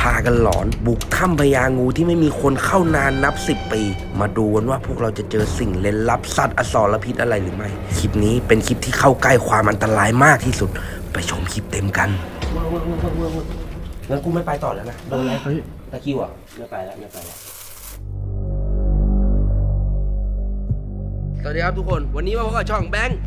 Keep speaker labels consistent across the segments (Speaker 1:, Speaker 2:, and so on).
Speaker 1: ากันหลอนบุกถ้ำพญางูที่ไม่มีคนเข้านานนับ10 ปีมาดูกันว่าพวกเราจะเจอสิ่งเร้นลับสัตว์อสรพิษอะไรหรือไม่คลิปนี้เป็นคลิปที่เข้าใกล้ความอันตรายมากที่สุดไปชมคลิปเต็มกันงั้นกูไม่ไปต่อแล้วนะโดนอะไรตะคิวอ่ะไม่ไปแล้วสวัสดีครับทุกคนวันนี้มาพบกับช่องแบงค์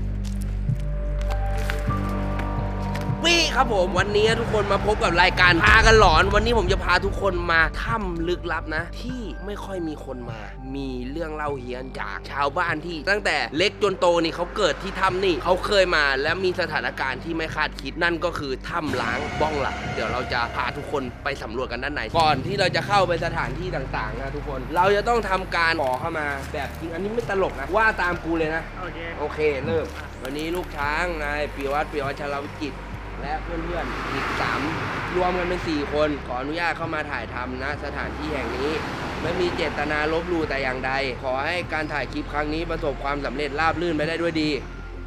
Speaker 1: วี่ครับผมวันนี้ทุกคนมาพบกับรายการพากันหลอนวันนี้ผมจะพาทุกคนมาถ้ำลึกลับนะที่ไม่ค่อยมีคนมามีเรื่องเล่าเฮี้ยนจากชาวบ้านที่ตั้งแต่เล็กจนโตนี่เขาเกิดที่ถ้ำนี่เขาเคยมาและมีสถานการณ์ที่ไม่คาดคิดนั่นก็คือถ้ำล้างบ้องหลังเดี๋ยวเราจะพาทุกคนไปสำรวจกันด้านในก่อนที่เราจะเข้าไปสถานที่ต่างๆนะทุกคนเราจะต้องทำการขอเข้ามาแบบจริงอันนี้ไม่ตลกนะว่าตามกูเลยนะโอเคเริ่มวันนี้ลูกช้างนายปิยวัฒน์ชลวิจิตรและเพื่อนๆอีก3รวมกันเป็น4คนขออนุญาตเข้ามาถ่ายทำนะสถานที่แห่งนี้ไม่มีเจตนาลบหลู่แต่อย่างใดขอให้การถ่ายคลิปครั้งนี้ประสบความสำเร็จราบรื่นไปได้ด้วยดี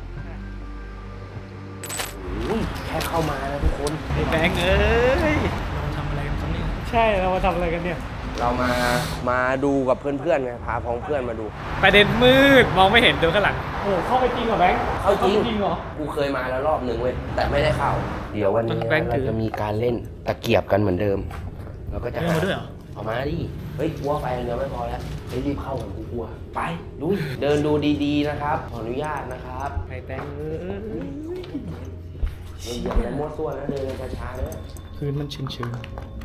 Speaker 1: แค่เข้ามานะทุกคน
Speaker 2: ไอ้แบงค์เอ้ยเราทำอะไรกันครับเนี่ยใช่เรามาทำอะไรกันเนี่ย
Speaker 1: เรามาดูกับเพื่อนๆไงพาพ้องเพื่อนมาดู
Speaker 2: ประเด็นมืดมองไม่เห็นดูข้างหลังโอ้เข้าไปจริงเหรอแบงค์
Speaker 1: เข้าจริง
Speaker 2: เหรอ
Speaker 1: กูเคยมาแล้วรอบนึงเว้ยแต่ไม่ได้เข้าเดี๋ยววันนี้เราจะมีการเล่นตะเกียบกันเหมือนเดิมเราก็จะ
Speaker 2: เอามาด้วยเหรอ
Speaker 1: เอามาดิเฮ้ยกลัวไฟเดียวไม่พอแล้วรีบเข้ากันกูกลัวไปลุยเดินดูดีๆนะครับขออนุญาตนะครับ
Speaker 2: ไอ้แบงค์
Speaker 1: อย่าไปมั่วซั่วนะเดินช้าๆนะ
Speaker 2: พื้นมันชื้นๆ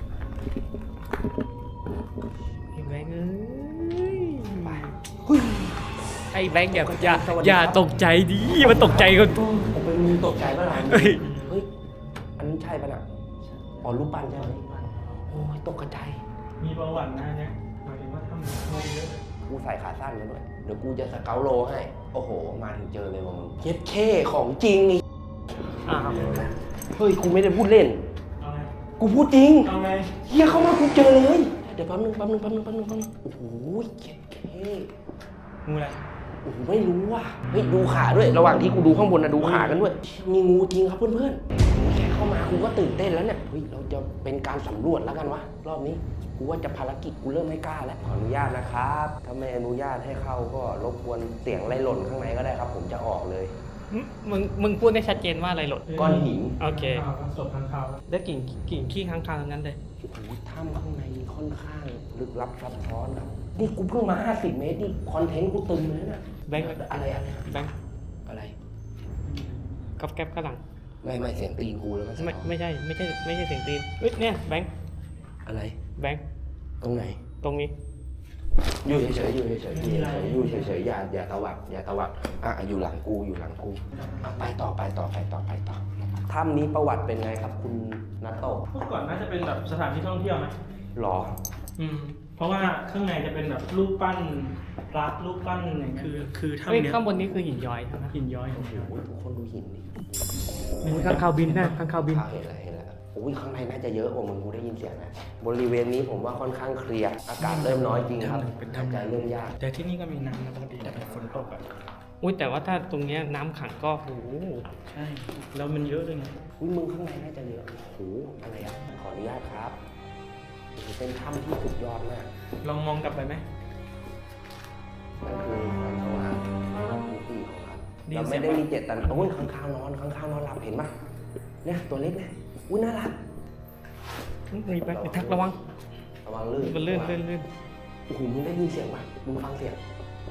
Speaker 2: ไอ้แบงค์
Speaker 1: ไป
Speaker 2: ไอ้แบงค์อย่าตกใจดิมันตกใจกันตัว
Speaker 1: เป็นมึงตกใจป่ะล่ะเฮ้ยอันนี้ใช่ป่ะน่ะอ๋อรูปปั้นใช่ไหมโอ้ยตกใจ
Speaker 2: มีประวัตินะเนี่ยหมายถึงว่าทำโมเยอะ
Speaker 1: กูใส่ขาสั้นมาด้วยเดี๋ยวกูจะสเกลโลให้โอ้โหมาถึงเจอเลยว่ะมึงเย็ดเข้ของจริงนี่เฮ้ยกูไม่ได้พูดเล่นกูพูดจริงเฮียเข้ามากูเจอเลยเดี๋ยวแป๊บนึงโอ้โหเย็ดเข้
Speaker 2: งูอะไร
Speaker 1: โอ้โหไม่รู้ว่ะเฮ้ยดูขาด้วยระหว่างที่กูดูข้างบนนะดูขากันด้วยมีงูจริงครับเพื่อนๆแค่เข้ามากูก็ตื่นเต้นแล้วเนี่ยเฮ้ยเราจะเป็นการสำรวจแล้วกันวะรอบนี้กูว่าจะภารกิจกูเริ่มไม่กล้าแล้วขออนุญาตนะครับถ้าไม่อนุญาตให้เข้าก็รบกวนเสียงอะไรหล่นข้างในก็ได้ครับผมจะออกเลย
Speaker 2: มึงพูดได้ชัดเจนว่าอะไรหล่น
Speaker 1: ก้อนหิน
Speaker 2: โอเคศพค้างคาวได้กิ่งขี้ค้างคาวนั้นเลย
Speaker 1: โอ้โหถ้ำข้างในค่อนข้างลึกลับซับซ้อนครับนี่กูเพิ่งมา50 เมตรนี่คอนเทนต์กูตึงเลยนะ
Speaker 2: แบงค์
Speaker 1: อะไรอะ
Speaker 2: แบงค์
Speaker 1: อะไร
Speaker 2: กับแก๊บกระหลัง
Speaker 1: ไม่เสียงตีนกูแล้ว
Speaker 2: ไม่ใช่เสียงตีนเฮ้ยเนี่ยแบงค์
Speaker 1: อะไร
Speaker 2: แบงค์
Speaker 1: ตรงไหน
Speaker 2: ตรงนี้
Speaker 1: อยู่เฉยอย่าตวัดอยู่หลังกูไปต่อถ้ำนี้ประวัติเป็นไงครับคุณนัตโต้
Speaker 2: เมื่อก่อนน่าจะเป็นแบบสถานที่ท่องเที่ยวไหม
Speaker 1: หรอ
Speaker 2: เพราะว่าข้างในจะเป็นแบบรูปปั้นพระรูปปั้นอย่างเงี้ยคือถ้ำเนี้ยข้างบนนี้คือหินย้อยใช่ไหมหินย้อย
Speaker 1: โอ้โหทุกคนดูหิน
Speaker 2: นี่ข้างคาวบินนะข้างคาวบิน
Speaker 1: เห็นแล้วโอ้ยข้างในน่าจะเยอะกว่ามึงกูได้ยินเสียงนะบริเวณนี้ผมว่าค่อนข้างเคลียร์อากาศเริ่มน้อยจริงครับ
Speaker 2: เป็น
Speaker 1: ทำใจเริ่มยาก
Speaker 2: แต่ที่นี่ก็มีน้ำนะปกติแต่ฝนตกอ่ะอุ้ยแต่ว่าถ้าตรงเนี้ยน้ำขังก็โอ้ใช่แล้วมันเยอะเลยไง
Speaker 1: อุ้ยมึงข้างในน่าจะเยอะโอ้โหอะไรอ่ะขออนุญาตครับเป็นถ้ำที่สุดยอดมาก
Speaker 2: ลองมองกลับไปไหม
Speaker 1: นั่นคือความสว่างมิติของเราไม่ได้มีเจตนาโอ้ยข้างข้าวนอนหลับเห็นปะเนี่ยตัวเล็กเนี่ยอุ้ยน่ารัก
Speaker 2: มีไปทักระวัง
Speaker 1: ลื่น
Speaker 2: มันลื่น
Speaker 1: โอ้โหมึงได้ยินเสียงปะมึงฟังเสียง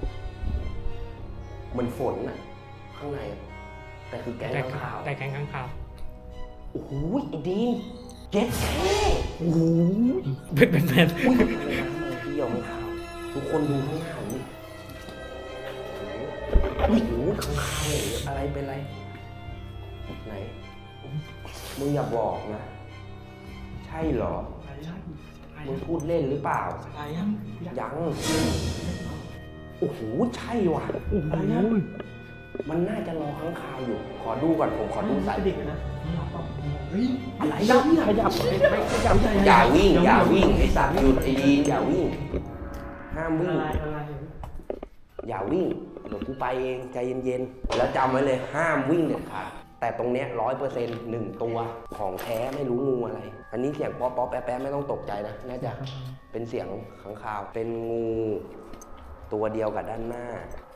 Speaker 1: มันฝนน่ะข้างในแต่คือแก๊งข้างคาว
Speaker 2: แต่แก๊งข้างคาว
Speaker 1: โอ้โหไอ้ดีเจ็ดแค่
Speaker 2: โอ้โหเป็น
Speaker 1: อุ้ยที่ยอมขาวทุกคนดูข้างหน้านี่โอ้โหข้างคาวอะไรเป็นไรไหนมึงอย่าบอกนะใช่เหรอมึงพูดเล่นหรือเปล่ายังโอ้โหใช่ว่ะมันน่าจะรอข้างคาวอยู่ขอดูก่อนผมขอดูสายนะอะไร
Speaker 2: ขยับ
Speaker 1: อย่าวิ่งไอ้สัตว์หยุดไอ้ดีอย่าวิ่งห้ามวิ่งอย่าวิ่งเดี๋ยวกูไปเองใจเย็นๆแล้วจำไว้เลยห้ามวิ่งเด็ดขาดแต่ตรงเนี้ย100% 1 ตัวของแท้ไม่รู้งูอะไรอันนี้เสียงป๊อปป๊อปแป๊ะแป๊ะไม่ต้องตกใจนะน่าจะเป็นเสียงขังข่าวเป็นงูตัวเดียวกับด้านหน้า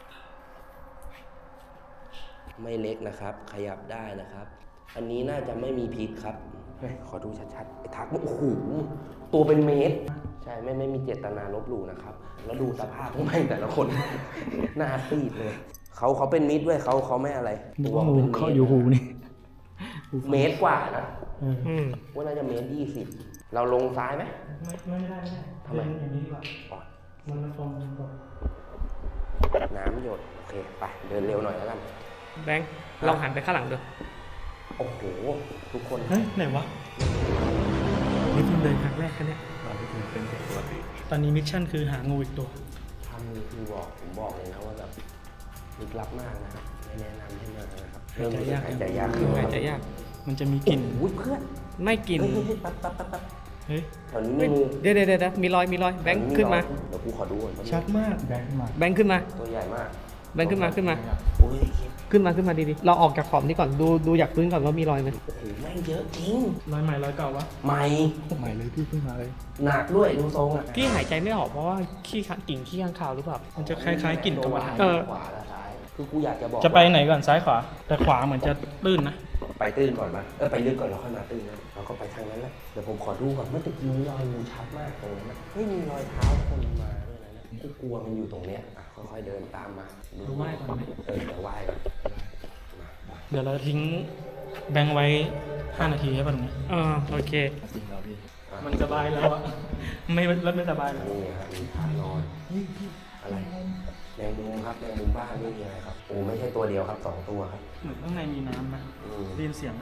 Speaker 1: ไม่เล็กนะครับ ขยับได้นะครับ อันนี้น่าจะไม่มีพิษครับขอดูชัดๆไอ้ทักโอ้โหตัวเป็นเมตรใช่ไม่มีเจตนาลบหลู่นะครับแล้วดูสภาพพวกมันแต่ละคน หน้าซีดเลยเขาเป็นมิตรด้วยเขาไม่อะไร
Speaker 2: ตัวงูเขาอยู่หูนี่
Speaker 1: เมตรกว่านะว่าน่าจะเมตร20เราลงซ้ายไหม
Speaker 2: ไม่ได้ทำไมอย่างนี้ดีกว่ามันตรง
Speaker 1: น้ำหยดโอเคไปเดินเร็วหน่อยแล้วกัน
Speaker 3: แบงค์เราหันไปข้างหลังดู
Speaker 1: โอ้โหทุกคน
Speaker 2: เฮ้ยไหนวะนี่เพิ่งเดินครั้งแรกกันเนี่ยตอนนี้มิชชั่นคือหางูอีกตัว
Speaker 1: ทำนี่คือผมบอกเลยนะว่าแบบลึกลับมากนะครับไม่แนะนำให้มานะครับ
Speaker 2: หายใจยาก
Speaker 3: หายใจยาก
Speaker 2: มันจะมีกลิ่น
Speaker 1: เพื่อน
Speaker 3: ไม่กลิ่น
Speaker 1: ปั๊บเฮ้ยตอนนี้มีงู
Speaker 3: เดี๋ยวมีรอยแบงค์ขึ้นมา
Speaker 1: เดี๋ยวกูขอดูก่อน
Speaker 2: ชัดมากแบ
Speaker 3: งค์ขึ้นมา
Speaker 1: ตัวใหญ่มาก
Speaker 3: แบงค์ขึ้นมาขึ้นมาดีๆเราออกจากขอบนี้ก่อนดูอยากพื้นก่อนว่ามีรอยไหม
Speaker 1: โอ้โหแม่งเยอะจริง
Speaker 2: รอยใหม่รอยเก่าวะ
Speaker 1: ใหม่
Speaker 2: เลยพี่เพิ่งมาเลย
Speaker 1: หนักด้วยดูทรงอ่ะ
Speaker 3: พี่หายใจไม่ออกเพราะว่ากิ่งขี้ข้างคาวหรือเปล่า
Speaker 2: มันจะคล้ายๆกลิ่นกรรมฐาน
Speaker 1: ขวาและซ้ายคือกูอยากจะบอก
Speaker 2: จะไปไหนก่อนซ้ายขวาแต่ขวาเหมือนจะตื้นนะ
Speaker 1: ไปตื้นก่อนมาไปลึกก่อนแล้วค่อยมาตื้นนะเราก็ไปทางนั้นแหละเดี๋ยวผมขอดูก่อนเมื่อตะกี้รอยงูชัดมากตรงนั้นไม่มีรอยเท้าคนมาด้วยนะกูกลัวมันอยู่ตรงเนี้ยค่อยๆเดินตามมา
Speaker 2: ดูไหว้ก่อนไหม
Speaker 1: เดี๋ยวไหว้ก่อน
Speaker 2: เดี๋ยวเราทิ้งแบงค์ไว้5 นาทีให้ป่ะตรงนี้
Speaker 3: โอเค
Speaker 2: มันสบายแล้วอะไม่สบายแล้ว
Speaker 1: นี่ครับมีทางนอนอะไรแมงมุมครับแมงมุมบ้านนี่อะไรครับโอ้ไม่ใช่ตัวเดียวครับ2 ตัวครับ
Speaker 2: เหมือนข้างในมีน้ำนะได้ยินเสียง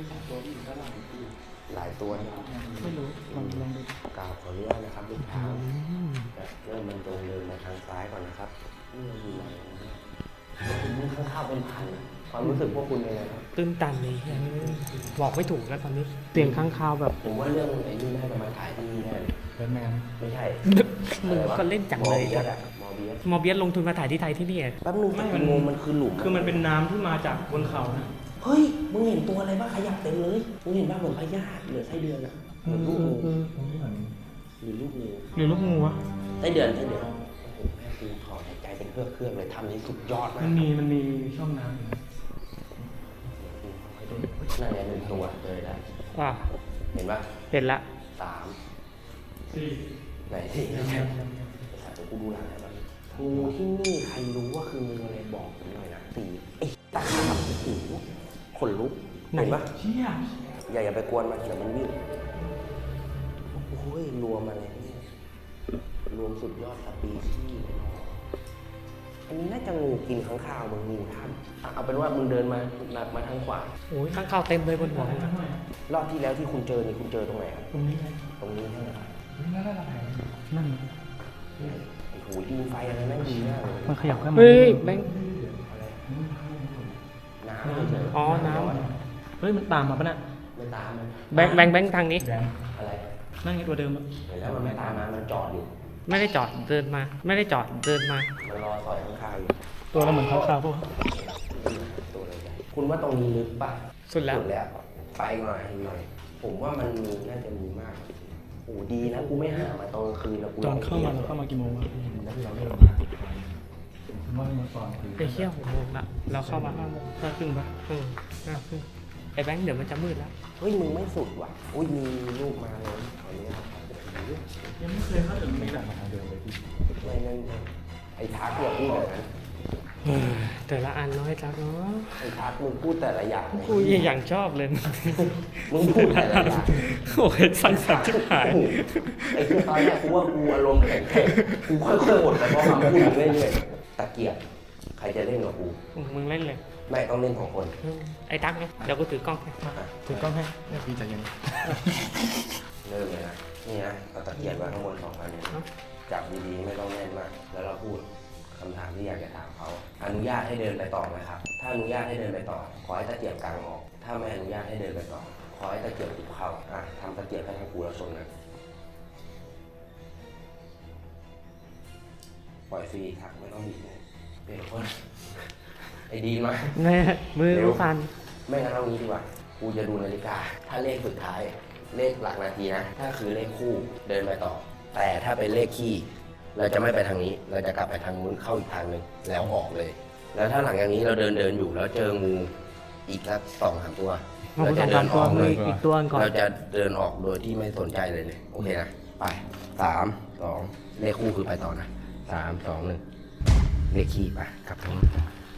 Speaker 1: หลายตัว
Speaker 2: ไม่รู้ลองดู
Speaker 1: กล่าวขออนุญาตนะครับลูกค้าเริ่มมันตรงเดินมาทางซ้ายก่อนนะครับนี่อยู่ไหนนี่ข้างๆเป็นพันความรู้สึกพวกคุณเป็นไงครับ
Speaker 3: ตื้นตันเลยบอกไม่ถูกแล้วตอนนี้เตียงข้างคาวแบบ
Speaker 1: ผมว่าเรื่องไอ้นี่น่าจะมาถ่ายที่นี่แน่
Speaker 2: แมน
Speaker 1: ไม่ใช่
Speaker 3: มึงก็เล่นจังเลยมอเบียสลงทุนมาถ่ายที่ไทยที่นี่
Speaker 1: แป๊บนึงมันคือหลุม
Speaker 2: คือมันเป็นน้ำที่มาจากบนเขานะ
Speaker 1: เฮ้ยมึงเห็นตัวอะไรบ้างขยับเต็มเลยมึงเห็นบ้างเหมือนพญาติหรือไส้เดือนอะเหมือนลูกงูหรือ
Speaker 2: ลูกงูวะ
Speaker 1: ไส้เดือนโอ้โหแม่กูถอดหายใจเป็นเครื่องเลยทำนี้สุดยอดมาก
Speaker 2: มันมีช่องน้ำ
Speaker 1: นั่นไง1 ตัวเลยได้เห็นปะ
Speaker 3: เห็นละ
Speaker 1: 3 4ไหนที่สัตว์กูดูหลังอะไรบ้างงูที่นี่ใครรู้ว่าคืองูอะไรบอกผมหน่อยนะ4ไอ้ตาขาบโอ้โหขนลุกเห็นปะอย่าไปกวนมันเดี๋ยวมันวิ่งโอ้ยรวมอะไรนี่รวมสุดยอดสปีชีส์อันนี้น่าจะงูกินข้างคาวมึงงูท่ำเอาเป็นว่ามึงเดินมาทางขวา
Speaker 3: โอ้ยข้างคาวเต็มเลยบนหัว
Speaker 1: รอบที่แล้วที่คุณเจอนี่คุณเจอตรงไหนครับ
Speaker 2: ตรงนี้
Speaker 1: ใช่ไหมครับ
Speaker 2: นั่น
Speaker 1: โอ้โหยิงไฟอะไรนั่งดีมากเลย
Speaker 2: มันขยับขึ้นมา
Speaker 3: เฮ้ยแบงค์
Speaker 1: น้ำ
Speaker 3: อ๋อน้ำ
Speaker 2: เฮ้ยมันตามมาปะน่ะ
Speaker 1: ไม่ตามมัน
Speaker 3: แบงค์ทางนี้
Speaker 1: อะไร
Speaker 2: นั่งไงตัวเดิม
Speaker 1: แล้วมันไม่ตามมันจอดอยู่
Speaker 3: ไม่ได้จอดเดินมามันรอ
Speaker 1: สอยข้างๆอยู่
Speaker 2: ตัวเราเหมือนข้าวพวก
Speaker 1: ตัวอะไรคุณว่าตรงนี้ลึกปะ
Speaker 3: สุดแล้ว
Speaker 1: ไปหน่อยผมว่ามันมีน่าจะมีมากโอ้ดีนะกูไม่หามาตอนกลางคืนแล้วกู
Speaker 2: ตอนเข้ามากี่โมงวะ
Speaker 3: ไปเที่ยว6 โมงละเราเข้ามา5 โมง5 ครึ่งปะ5 ครึ่งไอ้แบงค์เดี๋ยวมันจะมืดแล้ว
Speaker 1: เฮ้ยมึงไม่สุดว่ะอุ้ยมีรูปมาเลยขออนุญาต
Speaker 2: ยังไม่เคยเข้าถึงนี้นะ
Speaker 1: ไม่นั่นไอ้ทักอย่าพูดแบบนั้น
Speaker 3: แต่ละอันน้อยจังเนาะ
Speaker 1: ไอ้ทักมึงพูดแต่ละอย่าง
Speaker 3: กูอย่างชอบเลย
Speaker 1: มึงพูดแต่ละอย่าง
Speaker 3: โอ้ยสั่นชิบหาย
Speaker 1: ไอ้คือตอนแรกกูว่ากูอารมณ์แข็งกูค่อยๆหมดแต่พอมาพูดเรื่อยๆตะเกียบใครจะเล่นกับกู
Speaker 3: มึงเล่นเลย
Speaker 1: ไม่ต้องเล่น2 คน
Speaker 3: ไอ้ทักไงเดี๋ยวกูถือกล้องให้
Speaker 2: พี่ใจเย็น
Speaker 1: เริ่มเลยนะนี่นะเอาตะเกียบไว้ข้างบน2 อันจับดีๆไม่ต้องแน่นมากแล้วเราพูดคำถามที่อยากจะถามเขาอนุญาตให้เดินไปต่อไหมครับถ้าอนุญาตให้เดินไปต่อขอให้ตะเกียบกลางออกถ้าไม่อนุญาตให้เดินไปต่อขอให้ตะเกียบติดเข่าทำตะเกียบให้ทางกูแล้วชนนะปล่อยฟรีครับไม่ต้องบีบเลยเป็นคนไอ้ดีมา
Speaker 3: แม่มือรู้ฟัน
Speaker 1: ไม่งั้นเอางี้ดีกว่ากูจะดูนาฬิกาถ้าเลขสุดท้ายเลขหลักนาทีนะ ถ้าคือเลขคู่เดินไปต่อ แต่ถ้าเป็นเลขคี่เราจะไม่ไปทางนี้ เราจะกลับไปทางนู้นเข้าอีกทางหนึ่งแล้วออกเลย แล้วถ้าหลังจากนี้เราเดินอยู่แล้วเจองูอีกสัก2-3 ตัวเราจะเดินออกเลย
Speaker 3: อีกตัวก่อน
Speaker 1: เราจะเดินออกโดยที่ไม่สนใจเลยโอเคนะไป3 2เลขคู่คือไปต่อนะ3 2 1เลขคี่ไปกลับทางนู้น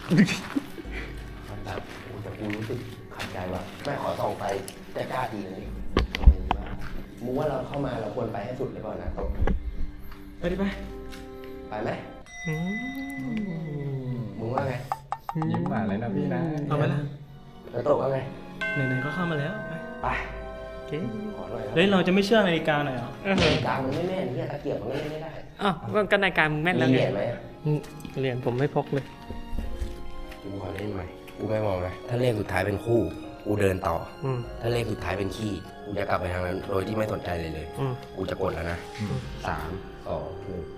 Speaker 1: แบบแต่กูรู้สึกขัดใจว่าไม่ขอส่องไปจะกล้าดีเลยมึงว่าเราเข้ามาเราควรไปให้สุดเลยก่อนนะตก
Speaker 2: ไปดิไป
Speaker 1: ไปไหม
Speaker 3: อืม
Speaker 1: มึงว่าไง
Speaker 4: ยิ้มหวานเลยนะพี่นะ
Speaker 2: เอาไปละ
Speaker 1: แล้วตกว่าไง
Speaker 2: ไหนๆก็เข้ามาแล้วไป
Speaker 1: ไป
Speaker 3: โอเค
Speaker 1: ขอหน่อย
Speaker 2: เฮ้ยเราจะไม่เชื่อนาฬิกาหน่อยเหรอ
Speaker 1: นาฬิกามันไม่แม่นเนี่ยตะเกียบมันก็เล่นไม่ได้
Speaker 3: อ้าวก็นาฬิกามึงแม่นแล้ว
Speaker 1: มี
Speaker 3: ไง
Speaker 1: เหรียญไหม
Speaker 3: เหรียญผมไม่พกเลย
Speaker 1: กูขอเล่นใหม่กูไม่มองนะถ้าเลขสุดท้ายเป็นคู่กูเดินต่อ
Speaker 3: อืม
Speaker 1: ถ้าเลขสุดท้ายเป็นขี้กูจะกลับไปทางนั้นโดยที่ไม่สนใจเลย
Speaker 3: อืม
Speaker 1: กูจะกดแล้วนะ3 2 1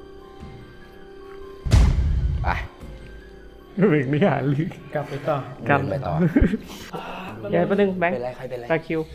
Speaker 1: ไป
Speaker 3: เบรกไม่หาลึก
Speaker 2: กลับไปต่อ
Speaker 3: กลับ
Speaker 1: เดินไปต่อ
Speaker 3: เดี๋ยวแป๊บนึงแบงค์
Speaker 1: เป็นไรใครเป็นไร
Speaker 3: ตาคิว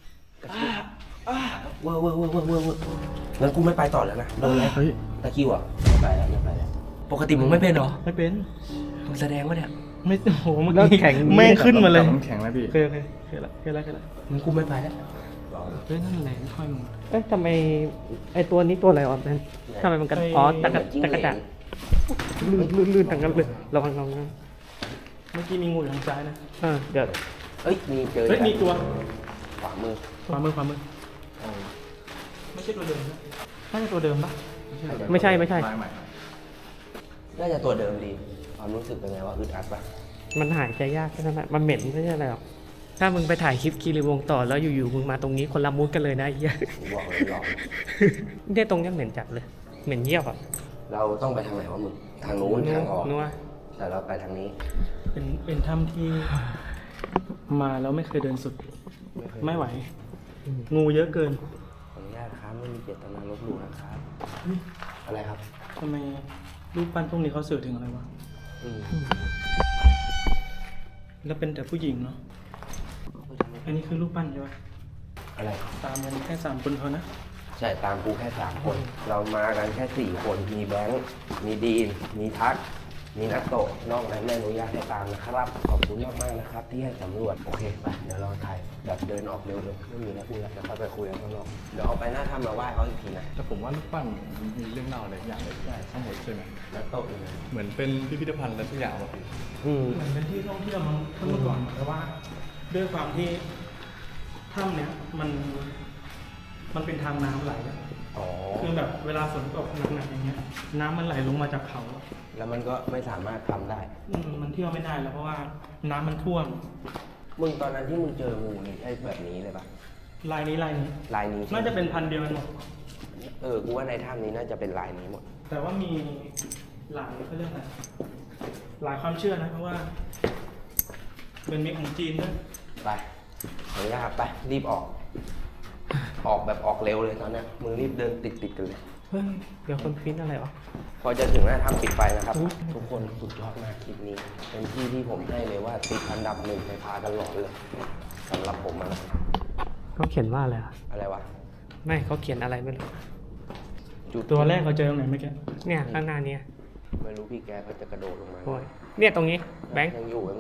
Speaker 1: เว้องั้นกูไม่ไปต่อแล้วนะโดนแล้วเฮ้ยตะคิวอ่ะไม่ไปแล้วปกติมึงไม่เป็นเหรอ
Speaker 2: ไม่เป็น
Speaker 1: มึงแสดงว่าเนี่ย
Speaker 2: ไม่โอ้โหเมื่อ
Speaker 3: แล้ว
Speaker 2: กี้
Speaker 3: แข็ง
Speaker 2: แม่งขึ้นมาเลย
Speaker 4: น้ำแข็งแล้วพี่
Speaker 2: เคยละ
Speaker 1: มึงกูไม่ไปแล้ว
Speaker 2: เฮ้ยนั่นแหละค่อยมึง
Speaker 3: เอ้ยทำไมไอตัวนี้ตัวอะไรวะแบงค์ทำไมมันกันอ๋อตะกะจันลื่นทั้งนั้นเลยระวัง
Speaker 2: เมื่อกี้มีงูอยู่ทางซ้ายนะ
Speaker 3: เดี๋ยว
Speaker 1: เอ้ยมีเจอ
Speaker 2: เฮ้ยมีตัว
Speaker 1: ขวามือ
Speaker 2: ขวามือไม่ใช่ตัวเดิมนะน่าจะตัวเดิมปะ
Speaker 3: ไม่ใช่
Speaker 4: ใหม่
Speaker 1: น่าจะตัวเดิมดีความรู้สึกเป็นไงว่าอึดอัดปะ
Speaker 3: มันหายใจยากแค่นั้นแหละมันเหม็นไม่ใช่อะไรหรอกถ้ามึงไปถ่ายคลิปคีรีวงศ์ต่อแล้วอยู่ๆมึงมาตรงนี้คนละมุดกันเลยนะไอ้เหี้ย
Speaker 1: กูบอกเลยหลอก
Speaker 3: เนี่ยตรงเนี้ยเหม็นจัดเลยเหม็นเยี่ยวอ่ะ
Speaker 1: เราต้องไปทางไหนวะมึงทางนู้นทางออก
Speaker 3: นัว
Speaker 1: แต่เราไปทางนี้
Speaker 2: เป็นถ้ำที่มาแล้วไม่เคยเดินสุด ไม่ไหว งูเยอะเกิน
Speaker 1: ขออนุญาตครับไม่มีเจตนาลบหลู่นะครับอะไรครับ
Speaker 2: ทำไมรูปปั้นพวกนี้เขาสื่อถึงอะไรวะ
Speaker 1: อืม
Speaker 2: แล้วเป็นแต่ผู้หญิงเนาะ อันนี้คือรูปปั้นใช่ปะ
Speaker 1: อะไร
Speaker 2: ตามกันแค่3 คนเท่านะ
Speaker 1: ใช่ตามกูแค่3 คน เรามากันแค่4 คนมีแบงค์มีดีนมีทักมีนักโตะนอกนั้นไม่อนุญาตให้ตามนะครับขอบคุณมากๆนะครับ ที่ให้สำรวจโอเคไปเดี๋ยวเราถ่ายแบบเดินออกเร็วๆไม่มีแล้วคุยแล้วเดี๋ยวค่อยไปคุยกันข้างนอกเดี๋ยวเอาไปหน้าถ้ำมาไหว้เขาอีกทีนะ
Speaker 4: แต่ผมว่าลูกปั้นมีเรื่องเล่าอะไรอย่างเลยใช่ข้างบนใช่ไหม
Speaker 1: นักโตะอยู่ไหน
Speaker 4: เหมือนเป็นพิพิธภัณฑ์อะไรสักอย่างวะพี่
Speaker 2: เหมือนเป็นที่ท่องเที่ยวมั้งเมื่อก่อนแต่ว่า ด้วยความที่ถ้ำเนี้ยมันเป็นทางน้ำไหลอะ
Speaker 1: อ๋อ
Speaker 2: คือแบบเวลาฝนตกหนักๆอย่างเงี้ย น้ำมันไหลลงมาจากเขาอะ
Speaker 1: แล้วมันก็ไม่สามารถทำได้
Speaker 2: มันเที่ยวไม่ได้แล้วเพราะว่าน้ำมันท่วม
Speaker 1: มึงตอนนั้นที่มึงเจองูนี่ใช่แบบนี้เลยปะ
Speaker 2: ลายนี้
Speaker 1: ลายนี้ใช่ไหม
Speaker 2: น่าจะเป็นพันธุ์เดียวกันหมด
Speaker 1: กูว่าในถ้ำนี้น่าจะเป็นลายนี้หมด
Speaker 2: แต่ว่ามีหลายเขาเรียกอะไรหลายความเชื่อนะเพราะว่า เป็นมิตรของจีนด้วย
Speaker 1: ไปขออนุญาตครับไปรีบออก ออกแบบออกเร็วเลยตอนเนี้ยมึงรีบเดินติดกันเลย
Speaker 3: เฮ้ยเดี๋ยวคนฟินอะไรวะ
Speaker 1: พอจะถึงหน้าถ้ำปิดไฟนะครับ ทุกคนสุดยอดมากคลิปนี้ เป็นที่ที่ผมให้เลยว่าติดอันดับ1ในพากันหลอนเลยสำหรับผมอะนะ
Speaker 3: เขาเขียนว่าอะไรวะ
Speaker 1: อะไรวะ
Speaker 3: ไม่เขาเขียนอะไรไม่รู้
Speaker 1: จุด
Speaker 2: ตัวแรกเราเจอตรงไหนเมื่อกี้
Speaker 3: เนี่ยข้างหน้าเนี่ย
Speaker 1: ไม่รู้พี่แกเขาจะกระโดดลงมา
Speaker 3: โอ้ยเนี่ยตรงนี้แบงค์
Speaker 1: ยังอยู่
Speaker 3: เนอะ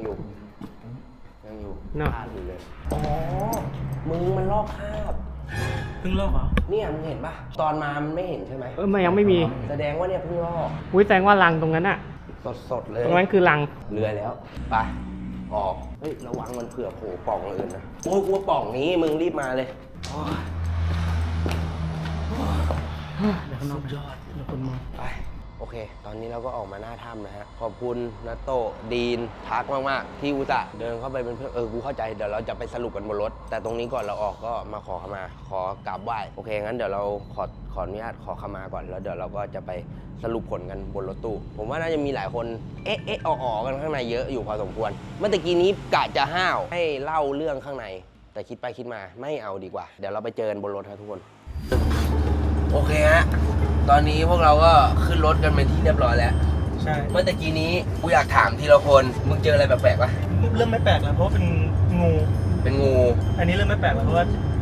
Speaker 1: พลาดอยู่เลยอ๋อมึงมันลอกคราบ
Speaker 2: เพิ่งลอกเหรอ
Speaker 1: เนี่ยมึงเห็นปะตอนมามันไม่เห็นใช่ไหม
Speaker 3: มันยังไม่มี
Speaker 1: แสดงว่าเนี่ยเพิ่งลอก
Speaker 3: อุ้ยแสดงว่ารังตรงนั้นอะ
Speaker 1: สดๆเลย
Speaker 3: ตรงนั้นคือรัง
Speaker 1: เรือแล้วไปออกเฮ้ยระวังมันเผื่อโผล่ปล่องอื่นนะโอ้ยกลัวปล่องนี้มึงรีบมาเลยโอ้ย
Speaker 2: เดี๋ยวข้างนอกยอดเดี๋ยวคนมอง
Speaker 1: ไปโอเค ตอนนี้เราก็ออกมาหน้าถ้ำนะฮะขอบคุณนัตโตะดีนทักมากๆที่อุตส่าห์เดินเข้าไปเป็นเพื่อนกูเข้าใจเดี๋ยวเราจะไปสรุปกันบนรถ แต่ตรงนี้ก่อนเราออกก็มาขอขมาขอกราบไหว้โอเคงั้นเดี๋ยวเราขออนุญาตขอขมาก่อนแล้วเดี๋ยวเราก็จะไปสรุปผลกันบนรถตู้ผมว่าน่าจะมีหลายคนอ๋อกันข้างในเยอะอยู่พอสมควรเมื่อตะกี้นี้กะจะห้าวให้เล่าเรื่องข้างในแต่คิดไปคิดมาไม่เอาดีกว่าเดี๋ยวเราไปเจอกันบนรถครับทุกคนโอเคฮะตอนนี้พวกเราก็ขึ้นรถกันเป็นที่เรียบร้อยแล้ว
Speaker 2: ใช่
Speaker 1: เมื่อตะกี้นี้กูอยากถามทีละคนมึงเจออะไรแปลกๆปะ
Speaker 2: เริ่มไม่แปลกแล้วเพราะว่าเป็นงู
Speaker 1: เป็นงู
Speaker 2: อันนี้เริ่มไม่แปลกแล้วเพราะว่า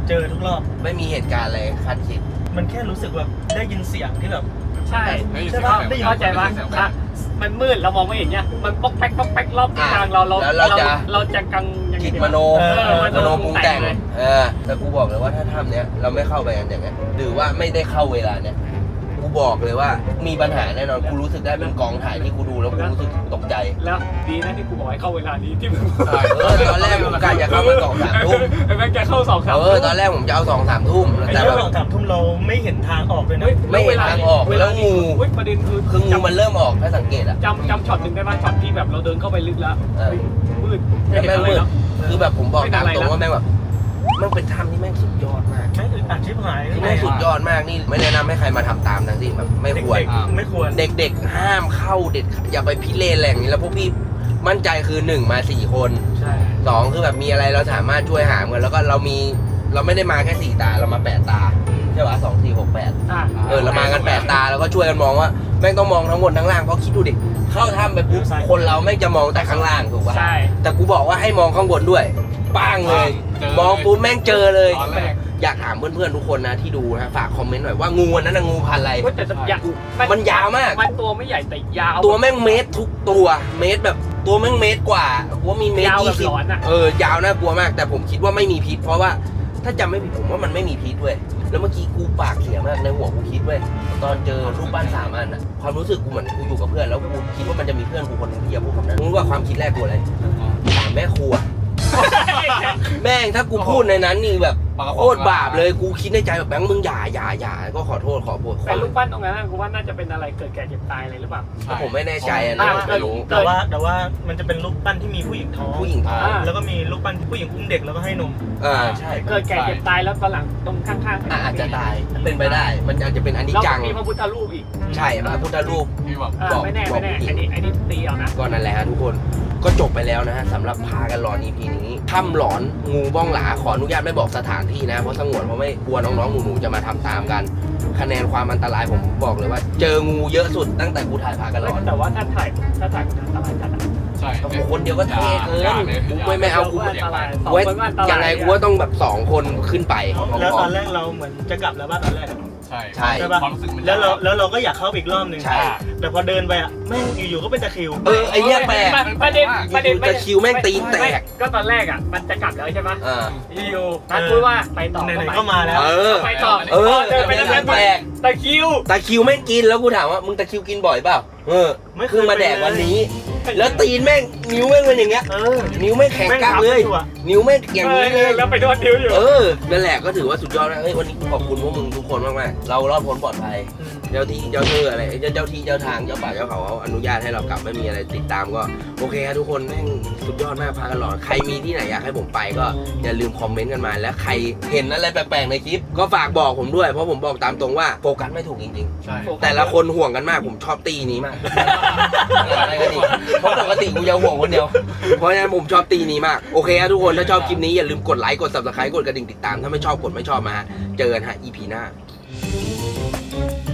Speaker 2: เจอทุกรอบ
Speaker 1: ไม่มีเหตุการณ์อะไรคาดคิด
Speaker 2: มันแค่รู้สึกแบบได้ยินเสียงที่แบบ
Speaker 5: ใช่
Speaker 2: ใช่ปะได้ยิน
Speaker 5: เข้าใจปะอ่ะมันมืดเรามองไม่เห็นเนี่ยมันป๊อกแป๊กป๊อกแป๊กรอบทางเราจะกังยังไง
Speaker 1: คิด
Speaker 5: ดี
Speaker 1: ม
Speaker 5: วะ
Speaker 1: โน
Speaker 5: มโน
Speaker 1: ปรุงแต่ง
Speaker 5: เลย
Speaker 1: แต่กูบอกเลยว่าถ้าทำเนี้ยเราไม่เข้าไปกันอย่างเงี้ยหรือว่าไม่ได้เข้าเวลาเนี้ยกูบอกเลยว่ามีปัญหาแน่นอนกูรู้สึกได้เป็นกองถ่ายที่กูดูแล้วกูรู้สึกตกใจ
Speaker 5: แล้วดีนะที่กูบอกให้เข้าเวลานี้ที่มึง
Speaker 1: ตอนแรกผมกะจะเข้ามา2-3 ทุ่ม
Speaker 5: ไอ้แม่งจะเข้า2-3
Speaker 1: ตอนแรกผมจะเอา2-3 ทุ่ม
Speaker 2: ไอ้
Speaker 1: แต่
Speaker 2: เรื่
Speaker 1: แบ
Speaker 2: อง
Speaker 1: บ
Speaker 2: 2-3 ทุ่มเราไม่เห็นทางออกเลยนะ
Speaker 1: ไม่เห็นทางออกแล้วงู
Speaker 5: ประเด็นคือ
Speaker 1: คืองูมันเริ่มออกถ้าสังเกตอะ
Speaker 5: จำช็อตหนึ่งได้ป่ะช็อตที่แบบเราเดินเข้าไปลึกแล้วมืด
Speaker 1: แล้วแม่งมืดคือแบบผมบอกตามตรง
Speaker 5: ไม่
Speaker 1: ว่าแม่งแบบมันเป็นถ้ำที่แม่งสุดยอดมาก
Speaker 2: แม่งอึดอัดชิบหาย
Speaker 1: ที่แม่งสุดยอดมากนี่ไม่แนะนำให้ใครมาทำตามทั้งสิ้นแบบไม่ควร
Speaker 2: เด็กๆไม่ควร
Speaker 1: เด็กๆห้ามเข้าเด็ดอย่าไปพิเรนแหล่งนี้แล้วพวกพี่มั่นใจคือ1มา4 คน
Speaker 5: ใช่
Speaker 1: 2คือแบบมีอะไรเราสามารถช่วยหามกันแล้วก็เราไม่ได้มาแค่4 ตาเรามา8 ตาใช่ปะ2 4 6 8เรามากัน8 ตาแล้วก็ช่วยกันมองว่าแม่งต้องมองทั้งบนทั้งล่างเพราะคิดดูดิเข้าถ้ำไปปุ๊บคนเราแม่งจะมองแต่ข้างล่างถูกปะ
Speaker 5: ใช่
Speaker 1: แต่กูบอกว่าให้มองข้างบนด้วยป้างเลย มองปุ๊บแม่งเจอเลย
Speaker 4: ตอนแรก
Speaker 1: อยากถามเพื่อนๆทุกคนนะที่ดูนะฝากคอมเมนต์หน่อยว่างูอันนั้นนะงูพันธุ์อะไร
Speaker 5: แต่ยาว
Speaker 1: มันยาวมาก
Speaker 5: มันตัวไม่ใหญ่แต่ยาว
Speaker 1: ตัวแม่งเมตรทุกตัวเมตรแบบตัวแม่งเมตรกว่ากูว่ามีเมตร
Speaker 5: ยาวแบบ
Speaker 1: 20
Speaker 5: หลอนอะ
Speaker 1: ยาวน่ากลัวมาก แต่ผมคิดว่าไม่มีพิษเพราะว่าถ้าจำไม่ผิดผมว่ามันไม่มีพิษเว้ยแล้วเมื่อกี้กูปากเสียมากในหัวกูคิดเว้ยตอนเจอรูปปั้น3 อันอะความรู้สึกกูเหมือนกูอยู่กับเพื่อนแล้วกูคิดว่ามันจะมีเพื่อนกูคนหนึงที่จะพูดคำนั้นมึงรู้ว่าความคิดแรกกูอะไรถามแม่ครัว แม่งถ้ากูพูดในนั้นนี่แบบโคตรบาปเลยกูคิดในใจแบบแบงค์มึงอย่าก็ขอโทษขอโทษ
Speaker 5: แต่รูปปั้นตรงนั้นกูว่าน่าจะเป็นอะไรเกิดแก่เจ็บตายอะไรหรือเปล่า
Speaker 1: ผมไม่แน่ใจนะ
Speaker 4: ไม่รู้
Speaker 2: แต่ว่ามันจะเป็นรูปปั้นที่มีผู้หญิงท้อง
Speaker 1: ผู้หญิงท้อง
Speaker 2: แล้วก็มีรูปปั้นที่ผู้หญิงอุ้มเด็กแล้วก็ให้นม
Speaker 1: ใช่
Speaker 5: เกิดแก่เจ็บตายแล้วตอนหลังตรงข้างๆ
Speaker 1: อาจจะตายเป็นไปได้ มันอาจจะเป็นอนิจ
Speaker 5: แล้ว
Speaker 1: จัง
Speaker 5: มีพระพุทธรูปอีก
Speaker 1: ใช่พระพุทธรูป
Speaker 4: ที่แบบ
Speaker 5: ไม่แน่อันนี้ตีเอานะ
Speaker 1: ก็นั่นแหละฮะทุกคนก็จบไปแล้วนะฮะสำหรับพากันหลอน EP นี้ถ้ำหลอนงูบ้องหลาขออนุญาตไม่บอกสถานที่นะเพราะสงวนเพราะไม่กลัวน้องๆหนูๆจะมาทำตามกัน คะแนนความอันตรายผมบอกเลยว่า เจองูเยอะสุดตั้งแต่กูถ่ายพากันหลอน
Speaker 5: แต่ว่าถ้าถ่ายมันอันตรายจัด
Speaker 4: ใช่
Speaker 1: โอ้โหคนเดียวก็เท่เกินกูไม่เอากู
Speaker 5: อันตรายสอง
Speaker 1: เว้ย
Speaker 5: คนก็อันตราย
Speaker 1: ยังไงกูว่าต้องแบบ2 คนขึ้นไป
Speaker 2: แล้วตอนแรกเราเหมือนจะกลับแล้วบ้านตอนแรก
Speaker 4: ใช่
Speaker 1: ใช่
Speaker 2: ใช่ปะ
Speaker 4: ความรู้สึกมัน
Speaker 2: แล้วเราก็อยากเข้าไปอีกรอบหนึ่ง
Speaker 1: ใช่
Speaker 2: แต่พอเดินไปอ่ะแม่งอยู่ๆก็เป็นตะคริว
Speaker 1: ไอเนี้ยแปลก
Speaker 5: ประเด็น
Speaker 1: ตะคริวแม่งตีนแตก
Speaker 5: ก็ตอนแรกอ่ะมันจะกลับแล้วใช่ไหม
Speaker 1: อ่า
Speaker 5: อยู่นัดพูดว่าไปต่อ
Speaker 2: ไหนๆก็มาแล้ว
Speaker 5: ไปต่อ เดินไปแล้ว
Speaker 1: แปลก
Speaker 5: ตะคิว
Speaker 1: ตะคริวแม่งกินแล้วกูถามว่ามึงตะคริวกินบ่อยเปล่าไม่เคยมาแดกวันนี้ แล้วตีนแม่งนิ้วแม่งเป็นอย่างเงี้ยนิ้วแม่งแข็งกักเลย นิ้วแม่งอย่างนี้เลย
Speaker 5: แล้วไปโดนนิ้วอยู่
Speaker 1: นั่นแหละก็ถือว่าสุดยอดนะเฮ้ยวันนี้ขอบคุณพวกมึงทุกคนมากๆเรารอดพ้นปลอดภัยเจ้าที่เจ้าเธออะไรเจ้าที่เจ้าทางเจ้าป่าเจ้าเขาอนุญาตให้เรากลับไม่มีอะไรติดตามก็โอเคครับทุกคนแม่งสุดยอดมากพากันหลอนใครมีที่ไหนอยากให้ผมไปก็อย่าลืมคอมเมนต์กันมาแล้วใครเห็นอะไรแปลกๆในคลิปก็ฝากบอกผมด้วยเพราะผมบอกตามตรงว่าโฟกัสไม่ถูกจริงๆ
Speaker 4: ใช่
Speaker 1: แต่ละคนห่วงกันมากผมชอบตีนี้มาก อะไรกันอีกเพราะปกติกูจะห่วงคนเดียว เพราะฉะนั้นผมชอบตีนี้มาก โอเคครับทุกคนถ้าชอบคลิปนี้อย่าลืมกดไลค์กด subscribe กดกระดิ่งติดตามถ้าไม่ชอบกดไม่ชอบมาฮะเจอกันฮะ EP หน้า